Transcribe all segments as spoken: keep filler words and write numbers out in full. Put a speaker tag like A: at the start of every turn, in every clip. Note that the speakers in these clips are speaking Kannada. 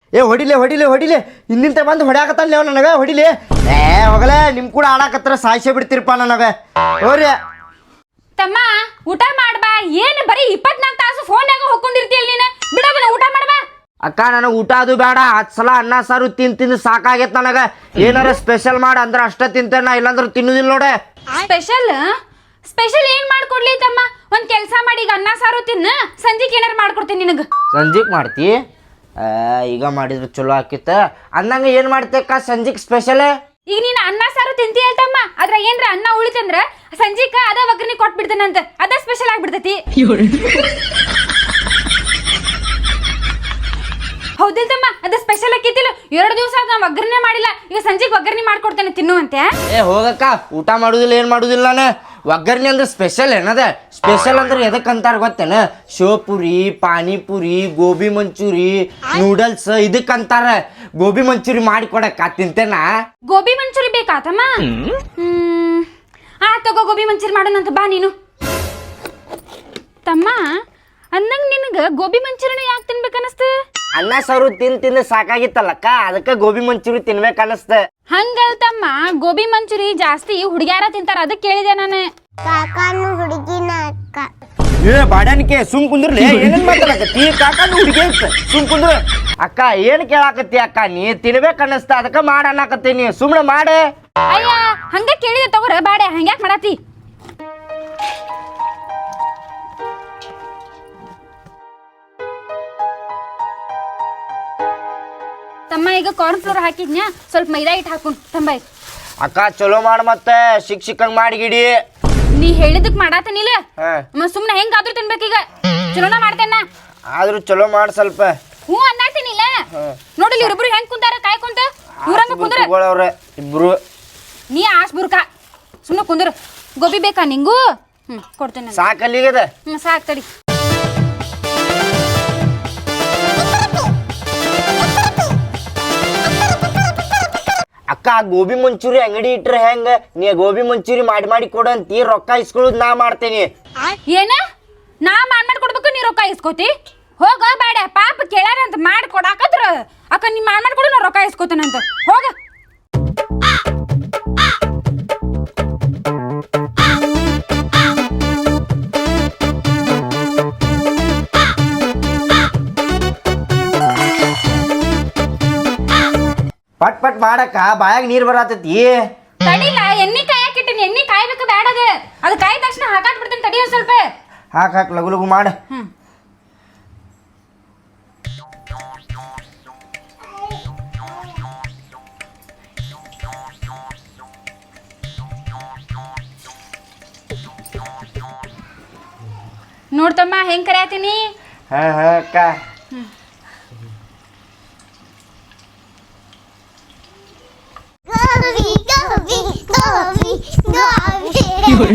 A: ಏ ಹೊಡಿಲೆ ಹೊಡಿಲೆ ಹೊಡಿಲೆ ಹಿಂದಿಂತ ಬಂದು ಹೊಡ್ಯಾಕತ್ತಲ್ಲ ನೀವು ನನಗೆ ಹೊಡಿಲೆ ಏ ಹೋಗಲೇ ನಿಮ್ಮ ಕೂಡ ಆಡಾಕತ್ರ ಸಾಯಿಸೇ ಬಿಡ್ತೀರಪ್ಪ ನನಗೆ ಹೋರಿ
B: ತಮ್ಮ ಊಟ ಮಾಡ್ಬಾ ಏನು ಬರೀ ಇಪ್ಪತ್ನಾಲ್ಕು ತಾಸು ಫೋನ್ಯಾಗ ಹೊಕ್ಕೊಂಡಿರ್ತೀಯಲ್ಲ ನೀನು ಬಿಡೋದನ್ನ ಊಟ ಮಾಡ್ಬಾ
A: ಅಕ್ಕ ನನಗೆ ಊಟ ಅದು ಬೇಡ ಹತ್ತು ಸಲ ಅನ್ನ ಸಾರು ತಿಂದು ತಿಂದು ಸಾಕಾಗೈತೆ ನನಗೆ ಏನಾರ ಸ್ಪೆಷಲ್ ಮಾಡಿ ಅಂದ್ರೆ ಅಷ್ಟೇ ತಿಂತೇನೆ ನಾ ಇಲ್ಲಾಂದ್ರೆ ತಿನ್ನೋದಿಲ್ಲ ನೋಡೆ
B: ಸ್ಪೆಷಲ್ ಸ್ಪೆಷಲ್ ಏನ್ ಮಾಡ್ಕೊಡ್ಲಿ ತಮ್ಮ ಒಂದ್ ಕೆಲಸ ಮಾಡಿ ಈಗ ಅನ್ನ ಸಾರು ತಿನ್ನ ಸಂಜೆಗೆ ಏನಾರು ಮಾಡ್ಕೊಡ್ತೀನಿ ನಿನಗೆ
A: ಸಂಜೆಗೆ ಮಾಡ್ತಿ ಈಗ ಮಾಡಿದ್ರೆ ಚಲೋ ಆಕಿತ್ತ ಅಂದಂಗೆ ಏನು ಮಾಡ್ತೇಕ್ಕ ಸಂಜೆಗೆ ಸ್ಪೆಷಲ್
B: ಈಗ ನೀನು ಅನ್ನ ಸಾರು ತಿಂತೀಯ ತಮ್ಮ ಅದ್ರ ಏನ್ರ ಅನ್ನ ಉಳಿತಂದ್ರ ಸಂಜೀಕ ಅದ ಒಗ್ಗರಣೆ ಕೊಟ್ಬಿಡ್ತೇನಂತ ಅದ ಸ್ಪೆಷಲ್ ಆಗ್ಬಿಡ್ತೈತಿ ಹೌದಿಲ್ ತಮ್ಮ ಅದ ಸ್ಪೆಷಲ್ ಆಕೈತಿಲ್ಲ ಎರಡು ದಿವಸ ನಾ ಒಗ್ಗರಣೆ ಮಾಡಿಲ್ಲ ಈಗ ಸಂಜೆಗೆ ಒಗ್ಗರಣೆ ಮಾಡ್ಕೊಡ್ತೇನೆ ತಿನ್ನುವಂತೆ
A: ಏ ಹೋಗಕ್ಕ ಊಟ ಮಾಡುದಿಲ್ಲ ಏನು ಮಾಡುದಿಲ್ಲ ನಾನು ಒಗ್ಗರಣೆ ಅಂದ್ರೆ ಸ್ಪೆಷಲ್ ಏನದ ಸ್ಪೆಷಲ್ ಅಂದ್ರೆ ಎದಕ್ಕೆ ಅಂತಾರ ಗೊತ್ತೇನ ಶೋಪುರಿ ಪಾನಿಪುರಿ ಗೋಬಿ ಮಂಚೂರಿ ನೂಡಲ್ಸ್ ಇದಕ್ಕೆ ಅಂತಾರ ಗೋಬಿ ಮಂಚೂರಿ ಮಾಡಿ ಕೊಡಕ್ಕ ತಿಂತೇನ
B: ಗೋಬಿ ಮಂಚೂರಿ ಬೇಕಾ ತಮ್ಮ ಹ್ಮ್ ಆ ತಗೋ ಗೋಬಿ ಮಂಚೂರಿ ಮಾಡೋಣಂತ ಬಾ ನೀನು ತಮ್ಮ ಅಂದಂಗ ನಿನಗ ಗೋಬಿ ಮಂಚೂರಿನ ಯಾಕೆ ತಿನ್ಬೇಕನ್ನಿಸ್ತ
A: ಅನ್ನ ಸಾರು ತಿಂದು ತಿಂದು ಸಾಕಾಗಿತ್ತಲ್ಲಕ್ಕ ಅದಕ್ಕೆ ಗೋಬಿ ಮಂಚೂರಿ ತಿನ್ಬೇಕು ಅನ್ನಿಸ್ತ
B: ಹಂಗಲ್ತಮ್ಮ ಗೋಬಿ ಮಂಚೂರಿ ಜಾಸ್ತಿ ಹುಡುಗ್ಯಾರ ತಿಂತಾರ ಅದಕ್ಕೆ ಕೇಳಿದೆ ನಾನು
C: ಕಾಕಾನು ಹುಡುಗಿನ ಅಕ್ಕ
A: ಏ ಬಾಡಾನಿಕೆ ಸುಮ್ ಕುಂದ್ರಲಿ ಏನೇನ್ ಮಾತಾಡಕತ್ತಿ ಕಾಕಾನು ಹುಡುಗಿ ಸುಮ್ ಕುಂದ್ರ ಅಕ್ಕ ಏನ್ ಕೇಳಾಕತ್ತಿ ಅಕ್ಕ ನೀ ತಿನ್ಬೇಕು ಅನ್ನಿಸ್ತ ಅದಕ್ಕೆ ಮಾಡ ಅನ್ನಕತ್ತೀನಿ ಸುಮ್ನೆ ಮಾಡೆ
B: ಅಯ್ಯ ಹಂಗ ಕೇಳಿದೆ ತಗೋರ ಬಾಡೆ ಹಂಗ್ಯಾಕ್ ಮಾಡಾತಿ ತಮ್ಮ ಈಗ ಕಾರ್ನ್ ಫ್ಲೋರ್ ಹಾಕಿದ್ನ್ಯಾ ಸ್ವಲ್ಪ ಮೈದಾ ಹಿಟ್ಟು ಹಾಕು ತಂಬ
A: ಅಕ್ಕ ಚಲೋ ಮಾಡ ಮತ್ತೆ ಶಿಕ್ಷಕಂಗ್ ಮಾಡಿಗಿಡಿ
B: ನೀ ಹೇಳಿದಕ್ ಮಾಡಾತನಿಲ್ಲ
A: ಹಾ
B: ಮತ್ ಸುಮ್ನೆ ಹೆಂಗಾದ್ರೂ ತಿನ್ಬೇಕೀಗ ಚಲೋನ ಮಾಡ್ತೇನ
A: ಆದ್ರೂ ಚಲೋ ಮಾಡ ಸ್ವಲ್ಪ
B: ಹ್ಞೂ ಅನ್ನತಿನಿಲ್ಲ ನೋಡಿಲಿ ಇವ್ರಿಬ್ರು ಹೆಂಗ್ ಕುಂತಾರ ಕಾಯ್ಕೊಂತ ಇವ್ರಂಗ ಕುಂದ್ರ
A: ಅವ್ರ ಇಬ್ರು
B: ನೀ ಆಸ್ ಬುರ್ಕ ಸುಮ್ನೆ ಕುಂದ್ರ ಗೋಬಿ ಬೇಕಾ ನಿಂಗೂ ಹ್ಮ್ ಕೊಡ್ತೇನೆ
A: ಸಾಕಲ್ಲಿಗದ
B: ಹ್ಮ್ ಸಾಕ್ ತಡಿ
A: ಅಕ್ಕ ಗೋಬಿ ಮಂಚೂರಿ ಅಂಗಡಿ ಇಟ್ರೆ ಹೆಂಗ ನೀ ಗೋಬಿ ಮಂಚೂರಿ ಮಾಡಿ ಮಾಡಿ ಕೊಡಂತಿ ರೊಕ್ಕ ಇಸ್ಕೊಳ್ಳೋದು ನಾ ಮಾಡ್ತೇನಿ
B: ಏನ ನಾ ಮಾಡ್ ಮಾಡಿ ಕೊಡ್ಬೇಕು ನೀ ರೊಕ್ಕ ಇಸ್ಕೋತಿ ಹೋಗ ಬೇಡ ಪಾಪ ಕೇಳ್ಯಾರ ಅಂತ ಮಾಡಿ ಕೊಡಾಕತ್ರ ಅಕ್ಕ ನೀ ಮಾಡ್ ಮಾಡಿ ಕೊಡು ನಾ ರೊಕ್ಕ ಇಸ್ಕೋತೇನಂತ ಹೋಗ
A: ಪಟ್ ಪಟ್ ಮಾಡಕ್ಕ ಬಾಯಾಗ ನೀರ್ ಬರತೈತಿ
B: ತಡಿಲ್ಲ ಎಣ್ಣೆ ಕಾಯಕಿಟ್ಟಿನಿ ಎಣ್ಣೆ ಕಾಯ್ಬೇಕು ಬೇಡ ಅದು ಅದು ಕಾಯ್ದ ತಕ್ಷಣ ಹಾಕಾಟ್ ಬಿಡ್ತೇನೆ ತಡಿ ಒಂದ್ ಸ್ವಲ್ಪ
A: ಹಾಕ್ ಹಾಕ್ ಲಗು ಲಗು ಮಾಡ
B: ಹ್ಮ್ ನೋಡ್ತಮ್ಮ ಹೆಂಗ್ ಕರಿಯಾತೀನಿ
A: ಹಾ ಹಾ ಅಕ್ಕ
C: ಗೋಬಿ ಗೋಬಿ ಗೋಬಿ ಗೋಬಿ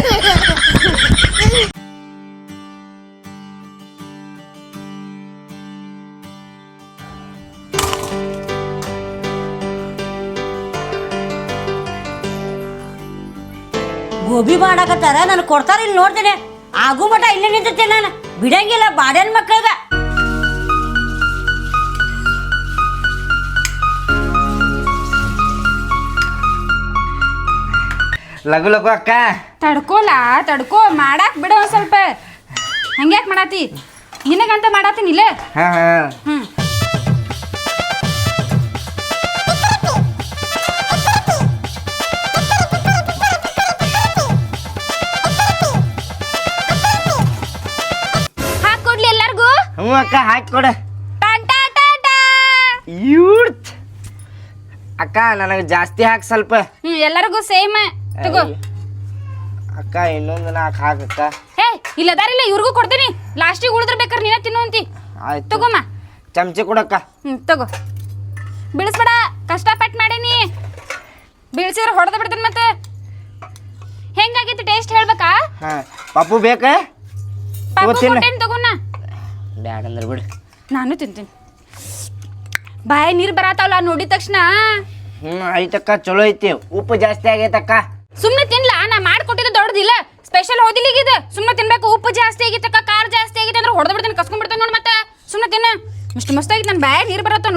D: ಗೋಬಿ ಮಾಡಾಕತ್ತಾರ ನಾನು ಕೊಡ್ತಾರ ಇಲ್ಲಿ ನೋಡ್ತೇನೆ ಆಗು ಮಟ ಇಲ್ಲೇ ನಿಂತಿರ್ತೇನೆ ನಾನು ಬಿಡಂಗಿಲ್ಲ ಬಾಡ್ಯಾನ ಮಕ್ಕಳಿಗ
A: ಲಗು ಲಗು ಅಕ್ಕ
B: ತಡ್ಕೋಲ ತಡ್ಕೋ ಮಾಡಾಕ್ ಬಿಡ ಒಂದ್ ಸ್ವಲ್ಪ ಹಂಗ್ಯಾಕ್ ಮಾಡಾತಿ ನಿನಗಂತ ಮಾಡಾತೀನಿಲ್ಲ
A: ಹಾ ಹಾ
B: ಹ್ಮ್ ಹಾಕೊಡ್ಲಿ ಎಲ್ಲಾರ್ಗೂ
A: ಹ್ಞೂ ಅಕ್ಕ ಹಾಕಿ ಕೊಡ
B: ಟಾಟಾ ಟಾಟಾ
A: ಯೂತ್ ಅಕ್ಕ ನನಗೆ ಜಾಸ್ತಿ ಹಾಕಿ ಸ್ವಲ್ಪ
B: ಹ್ಮ್ ಎಲ್ಲರಿಗೂ ಸೇಮ್ ತಗೋ
A: ಅಕ್ಕ ಇನ್ನೊಂದು ನಾಲ್ಕು ಹಾಕಕ್ಕ
B: ಹೇ ಇಲ್ಲ ಅದಾರಿಲ್ಲ ಇವ್ರಿಗೂ ಕೊಡ್ತೀನಿ ಲಾಸ್ಟಿಗೆ ಉಳಿದ್ರ ಬೇಕಾರೆ ನೀನ ತಿನ್ನುವಂತಿ
A: ಆಯ್ತು
B: ತಗೋಮ್ಮ
A: ಚಮಚೆ ಕೊಡಕ್ಕ
B: ಹ್ಮ್ ತಗೋ ಬೀಳಿಸ್ಬೇಡ ಕಷ್ಟಪಟ್ಟು ಮಾಡೀನಿ ಬೀಳ್ಸಿದ್ರೆ ಹೊಡೆದ ಬಿಡ್ತೇನೆ ಮತ್ತೆ ಹೆಂಗಾಗೈತಿ ಟೇಸ್ಟ್ ಹೇಳ್ಬೇಕಾ
A: ಹಾ ಪಪ್ಪು ಬೇಕಾ
B: ಪಾಪು
A: ತಗೋ ತಿನ್ನು.
B: ಕೊಟ್ಟೇನಿ ತಗೋಣ
A: ಬ್ಯಾಡ ಅಂದ್ರೆ ಬಿಡು
B: ನಾನು ತಿಂತೀನಿ ಬಾಯಿ ನೀರು ಬರತ್ತಾವಲ್ಲ ನೋಡಿದ ತಕ್ಷಣ
A: ಹ್ಞೂ ಐತಕ್ಕ ಚಲೋ ಐತಿ ಉಪ್ಪು ಜಾಸ್ತಿ ಆಗೈತಕ್ಕ
B: ಸುಮ್ಮನೆ ತಿನ್ಲ ನಾ ಮಾಡ್ಕೊಟ್ಟಿದ್ದು ದೊಡ್ಡದಿಲ್ಲ ಸ್ಪೆಷಲ್ ಹೋದಿಲ್ಲ ಈಗ ಇದು ಸುಮ್ಮನೆ ತಿನ್ಬೇಕು ಉಪ್ಪು ಜಾಸ್ತಿ ಆಗಿತ್ತಕ್ಕ ಖಾರ ಜಾಸ್ತಿ ಆಗಿತ್ತು ಅಂದ್ರೆ ಹೊಡೆದು ಬಿಡ್ತೇನೆ ಕಸ್ಕೊಂಡ್ ಬಿಡ್ತೇನೆ ನೋಡಿ ಮತ್ತೆ ಸುಮ್ಮನೆ ತಿನ್ನ ಇಷ್ಟು ಮಸ್ತ್ ಆಗಿತ್ತು ನನ್ನ ಬಾಯಿ ನೀರು ಬರತ್ತ